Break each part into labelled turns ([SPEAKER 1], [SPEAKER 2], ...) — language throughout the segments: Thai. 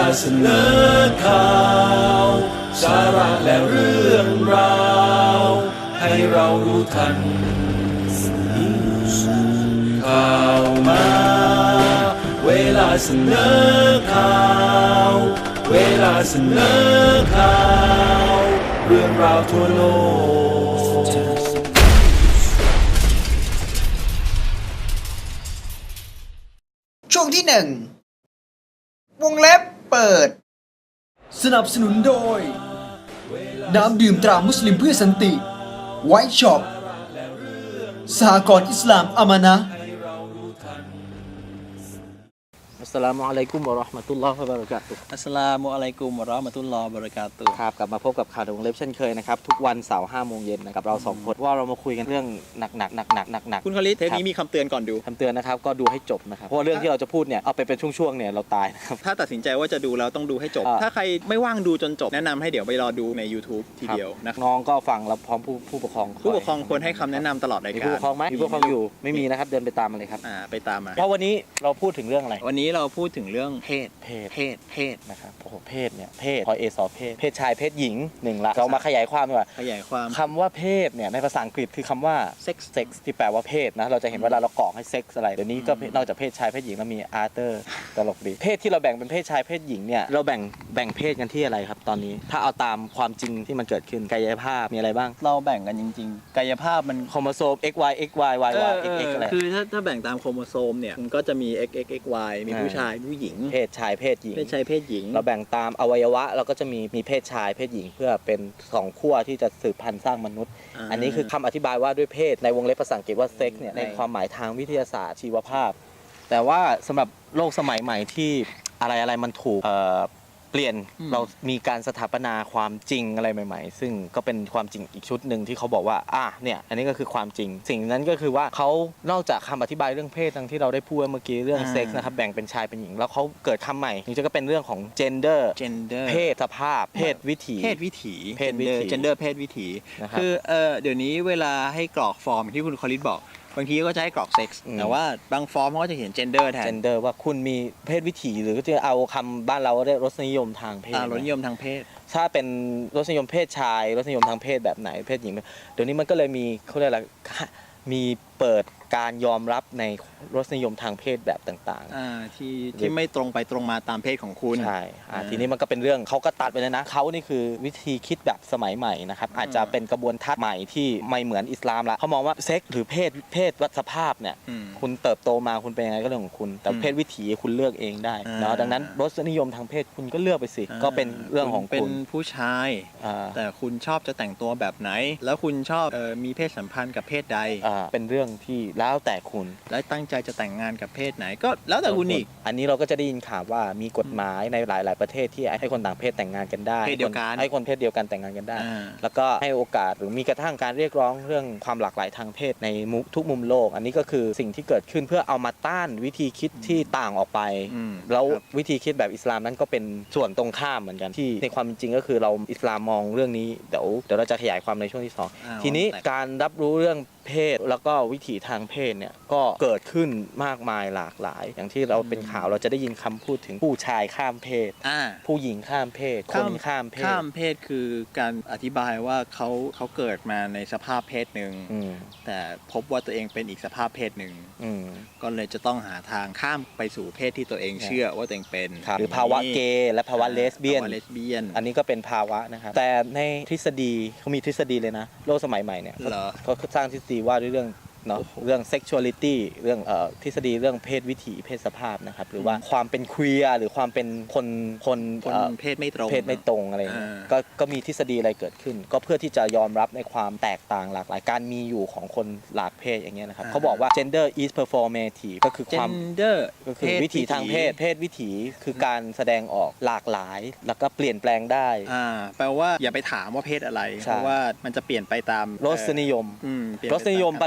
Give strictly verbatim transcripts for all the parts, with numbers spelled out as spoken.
[SPEAKER 1] เสนอข่าวสาระและเรื่องราวให้เรารู้ทันข่าวมาเวลาเสนอข่าวเวลาเสนอข่าวเรื่องราวทั่วโลก
[SPEAKER 2] ช่วงที่หนึ่งวงเล็บเปิด
[SPEAKER 3] สนับสนุนโดยน้ำดื่มตรามุสลิมเพื่อสันติไวท์ช็อปสหกรณ์อิสลามอามานะ
[SPEAKER 4] อัสสลามุอะลัยกุมวะเราะห์มะตุลลอฮิวะบะเราะกาตุฮ์
[SPEAKER 5] อัสสลามุอะลัยกุมวะเราะห์มะตุลลอฮิวะบะเราะกาตุฮ์
[SPEAKER 4] ครับกลับมาพบกับข่าวในวงเล็บเช่นเคยนะครับทุกวันเสาร์ห้าโมงเย็นนะครับเราสองคนว่าเรามาคุยกันเรื่องหนักหนักหนักหนักหนักหนัก
[SPEAKER 5] คุณคลิตเทปนี้มีคำเตือนก่อนดู
[SPEAKER 4] คำเตือนนะครับก็ดูให้จบนะครับเพราะว่าเรื่องที่เราจะพูดเนี่ยเอาไปเป็นช่วงๆเนี่ยเราตายนะครับ
[SPEAKER 5] ถ้าตัดสินใจว่าจะดูแล้วต้องดูให้จบ
[SPEAKER 4] อ่า
[SPEAKER 5] ถ้าใครไม่ว่างดูจนจบแนะนำให้เดี๋ยวไปรอดูใน YouTube ทีเดียวนะครับ
[SPEAKER 4] น้องก็ฟังแล้วพร้อมผู้ผู้ปกครอง
[SPEAKER 5] ผู้ปกครองควรให้คำแนะนำตลอดราย
[SPEAKER 4] มี
[SPEAKER 5] การ
[SPEAKER 4] ผู้ปกครองไหมมีผู้ปกครองอยู่ไม่มีนะครับเดินไปตามมาเลยครับ
[SPEAKER 5] อ่าไปตามมา
[SPEAKER 4] เพราะวันนี้เราพูดถึงเรื่องอะไร
[SPEAKER 5] วันนี้เราพูดถึงเรื่องเพศ
[SPEAKER 4] เพศ
[SPEAKER 5] เพศเพศ
[SPEAKER 4] นะครับโอ้โหเพศเนี่ยเพศพอเอสอเพศเพศชายเพศหญิงหนึ่งละเรามาขยายความดีกว่า
[SPEAKER 5] ขยายความ
[SPEAKER 4] คำว่าเพศเนี่ยในภาษาอังกฤษคือคำว่า
[SPEAKER 5] sex
[SPEAKER 4] sex ที่แปลว่าเพศนะเราจะเห็นเวลาเรากรอกให้ sex อะไรเดี๋ยวนี้ก็นอกจากเพศชายเพศหญิงแล้วมี other ตลกดีเพศที่เราแบ่งเป็นเพศชายเพศหญิงเนี่ยเราแบ่งแบ่งเพศกันที่อะไรครับตอนนี้ถ้าเอาตามความจริงที่มันเกิดขึ้นกายภาพมีอะไรบ้าง
[SPEAKER 5] เราแบ่งกันจริงๆ กายภาพมัน
[SPEAKER 4] โครโมโซม x y x y y
[SPEAKER 5] เอ
[SPEAKER 4] y
[SPEAKER 5] อ
[SPEAKER 4] x x อะไร
[SPEAKER 5] คือถ้าถ้าแบ่งตามโครโมโซมเนี่ยมันก็จะมี x x x y มีผู้ชายผู้หญิง
[SPEAKER 4] เพศชายเพศหญิง
[SPEAKER 5] เพศชายเพศหญิง
[SPEAKER 4] เราแบ่งตามอวัยวะเราก็จะมีมีเพศชายเพศหญิงเพื่อเป็นสองขั้วที่จะสืบพันธุ์สร้างมนุษย์
[SPEAKER 5] อ่า
[SPEAKER 4] อันนี้คือคำอธิบายว่าด้วยเพศในวงเล็บภาษาอังกฤษว่าเซ็กเนี่ยในความหมายทางวิทยาศาสตร์ชีวภาพ แต่ว่าสำหรับโลกสมัยใหม่ที่อะไรอะไรมันถูกเอ่อเปลี่ยนเรามีการสถาปนาความจริงอะไรใหม่ๆ ซึ่งก็เป็นความจริงอีกชุดหนึ่งที่เขาบอกว่าอ่ะเนี่ยอันนี้ก็คือความจริง สิ่งนั้นก็คือว่าเขานอกจากคำอธิบายเรื่องเพศทั้งที่เราได้พูดเมื่อกี้เรื่องเซ็กส์นะครับแบ่งเป็นชายเป็นหญิงแล้วเขาเกิดคำใหม่นี่จะก็เป็นเรื่องของ gender
[SPEAKER 5] gender
[SPEAKER 4] เพศสภาพเพศวิถี
[SPEAKER 5] เพศวิถี
[SPEAKER 4] เพศวิถี
[SPEAKER 5] gender gender เพศวิถี
[SPEAKER 4] นะครับ
[SPEAKER 5] คือเออเดี๋ยวนี้เวลาให้กรอกฟอร์มที่คุณคอลิสบอกบางทีก็จะให้กรอกเซ็กซ์
[SPEAKER 4] อืม
[SPEAKER 5] แต่ว่าบางฟอร์มเขาก็จะเขียน gender แทน
[SPEAKER 4] gender ว่าคุณมีเพศวิถีหรือจะเอาคำบ้านเราเรียกรสนิยมทางเพศ
[SPEAKER 5] อ่ารสนิยมทางเพศ
[SPEAKER 4] ถ้าเป็นรสนิยมเพศชายรสนิยมทางเพศแบบไหนเพศหญิงเดี๋ยวนี้มันก็เลยมีเขาเรียกอะไรมีเปิดการยอมรับในรสนิยมทางเพศแบบต่างๆ
[SPEAKER 5] อ่าที่ที่ไม่ตรงไปตรงมาตามเพศของคุณ
[SPEAKER 4] ใช่อ่า
[SPEAKER 5] อ่า
[SPEAKER 4] ทีนี้มันก็เป็นเรื่องเขาก็ตัดไปเลยนะเขานี่คือวิธีคิดแบบสมัยใหม่นะครับอาจจะเป็นกระบวนทัศน์ใหม่ที่ไม่เหมือนอิสลามละเขามองว่าเซ็กหรือเพศเพศวัฏสภาพเนี่ย
[SPEAKER 5] อืม
[SPEAKER 4] คุณเติบโตมาคุณเป็นยังไงก็เรื่องของคุณแต่
[SPEAKER 5] อืม
[SPEAKER 4] เพศวิถีคุณเลือกเองได้
[SPEAKER 5] อ่า
[SPEAKER 4] เนาะดังนั้นรสนิยมทางเพศคุณก็เลือกไปสิก็เป็นเรื่องของ
[SPEAKER 5] เป็น
[SPEAKER 4] คุณ
[SPEAKER 5] ผู้ชาย
[SPEAKER 4] อ่า
[SPEAKER 5] แต่คุณชอบจะแต่งตัวแบบไหน แล้วคุณชอบเออมีเพศสัมพันธ์กับเพศใด
[SPEAKER 4] อ่าเป็นเรื่องที่แล้วแต่คุณ
[SPEAKER 5] และตั้งใจจะแต่งงานกับเพศไหนก็แล้วแต่คุณอีก
[SPEAKER 4] อันนี้เราก็จะได้ยินข่าวว่ามีกฎหมายในหลาย ๆ ประเทศที่ให้คนต่างเพศแต่งงานกันได้
[SPEAKER 5] เพศเดียวกัน
[SPEAKER 4] ให้คนเพศเดียวกันแต่งงานกันได้
[SPEAKER 5] อ่า
[SPEAKER 4] แล้วก็ให้โอกาสหรือมีกระทั่งการเรียกร้องเรื่องความหลากหลายทางเพศในมุทุกมุมโลก อันนี้ก็คือสิ่งที่เกิดขึ้นเพื่อเอามาต้านวิธีคิดที่ต่างออกไป
[SPEAKER 5] อืม
[SPEAKER 4] แล้ว
[SPEAKER 5] ครับ
[SPEAKER 4] วิธีคิดแบบอิสลามนั้นก็เป็นส่วนตรงข้ามเหมือนกันที่ในความจริงก็คือเราอิสลามมองเรื่องนี้เดี๋ยวเดี๋ยวเราจะขยายความในช่วงที่สอง
[SPEAKER 5] อ้าว
[SPEAKER 4] ทีนี้
[SPEAKER 5] แต่
[SPEAKER 4] การรับรู้เรื่องเพศแล้วก็วิถีทางเพศเนี่ยก็เกิดขึ้นมากมายหลากหลาย อย่างที่เราเป็นข่าวเราจะได้ยินคำพูดถึงผู้ชายข้ามเพศ
[SPEAKER 5] อ่า
[SPEAKER 4] ผู้หญิงข้ามเพศคนข้ามเพศ
[SPEAKER 5] ข้ามเพศคือการอธิบายว่าเขาเขาเกิดมาในสภาพเพศหนึ่ง
[SPEAKER 4] อืม
[SPEAKER 5] แต่พบว่าตัวเองเป็นอีกสภาพเพศหนึ่ง
[SPEAKER 4] อืม
[SPEAKER 5] ก็เลยจะต้องหาทางข้ามไปสู่เพศที่ตัวเองเชื่อว่าตัวเองเป็น
[SPEAKER 4] หรือภาวะเกย์และภาวะเลสเบี้ยน
[SPEAKER 5] ภาวะเลสเบี้ยน
[SPEAKER 4] อันนี้ก็เป็นภาวะนะครับแต่ในทฤษฎีเขามีทฤษฎีเลยนะโลกสมัยใหม่เนี่ย
[SPEAKER 5] เหรอ
[SPEAKER 4] เขาสร้างทฤษฎีว่าด้วยเรื่องเนาะเรื่อง sexuality เรื่องเอ่อทฤษฎีเรื่องเพศวิถีเพศสภาพนะครับหรือว่าความเป็นเคลียร์หรือความเป็นคนคน
[SPEAKER 5] คน
[SPEAKER 4] เอ่อ
[SPEAKER 5] เพศไม่ตรง
[SPEAKER 4] เพศไม่ตรงอะไรอย่างเงี้ย
[SPEAKER 5] อ่า
[SPEAKER 4] ก็ก็มีทฤษฎีอะไรเกิดขึ้น ก็เพื่อที่จะยอมรับในความแตกต่างหลากหลายการมีอยู่ของคนหลากเพศอย่างเงี้ยนะครับเขาบอกว่า gender is performative ก็คือความ
[SPEAKER 5] gender
[SPEAKER 4] ก็คือวิถีทางเพศเพศวิถีคือการแสดงออกหลากหลาย แล้วก็เปลี่ยนแปลงได้
[SPEAKER 5] อ่าแปลว่าอย่าไปถามว่าเพศอะไร
[SPEAKER 4] ใช่
[SPEAKER 5] เพราะว่ามันจะเปลี่ยนไปตาม
[SPEAKER 4] รสนิยม
[SPEAKER 5] อืมเปลี่ยน
[SPEAKER 4] ร
[SPEAKER 5] ไป
[SPEAKER 4] สนิยม
[SPEAKER 5] ต
[SPEAKER 4] บ้านเราเรียก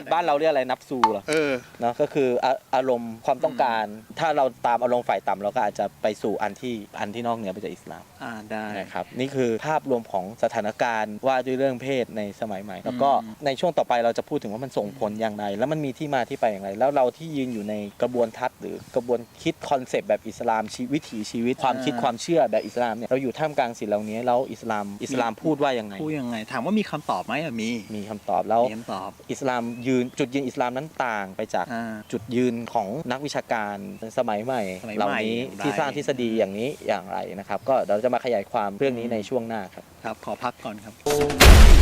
[SPEAKER 4] ยกอะไรนับซูเหรอ
[SPEAKER 5] เออ
[SPEAKER 4] เนาะก็คืออาอารมณ์ความต้องการ ถ้าเราตามอารมณ์ฝ่ายต่ำเราก็อาจจะไปสู่อันที่อันที่นอกเหนือไปจากอิสลาม
[SPEAKER 5] อ่าได้
[SPEAKER 4] นะครับนี่คือภาพรวมของสถานการณ์ว่าด้วยเรื่องเพศในสมัยใหม่ แล้วก็ในช่วงต่อไปเราจะพูดถึงว่ามันส่งผลอย่างไรแล้วมันมีที่มาที่ไปอย่างไรแล้วเราที่ยืนอยู่ในกระบวนทัศน์หรือกระบวนคิดคอนเซปต์แบบอิสลามชีวิถีชีวิตความคิดความเชื่อแบบอิสลามเนี่ยเราอยู่ท่ามกลางสิ่งเหล่านี้แล้วอิสลามอิสลามพูดว่ายังไง
[SPEAKER 5] พูดยังไงถามว่ามีคำตอบไหมอะมี
[SPEAKER 4] มีคำตอบแล้ว
[SPEAKER 5] มีคำตอบ
[SPEAKER 4] อิสลามยืนจุดยืนอิสลามนั้นต่างไปจาก
[SPEAKER 5] อ่า
[SPEAKER 4] จุดยืนของนักวิชาการสมัยใหม่
[SPEAKER 5] สมัยใหม่
[SPEAKER 4] เหล่านี้
[SPEAKER 5] อย่างไร
[SPEAKER 4] ที่สร้างทฤษฎีอย่างนี้อย่างไรนะครับก็เราจะมาขยายความเรื่องนี้ในช่วงหน้าครับ
[SPEAKER 5] ครับขอพักก่อนครับ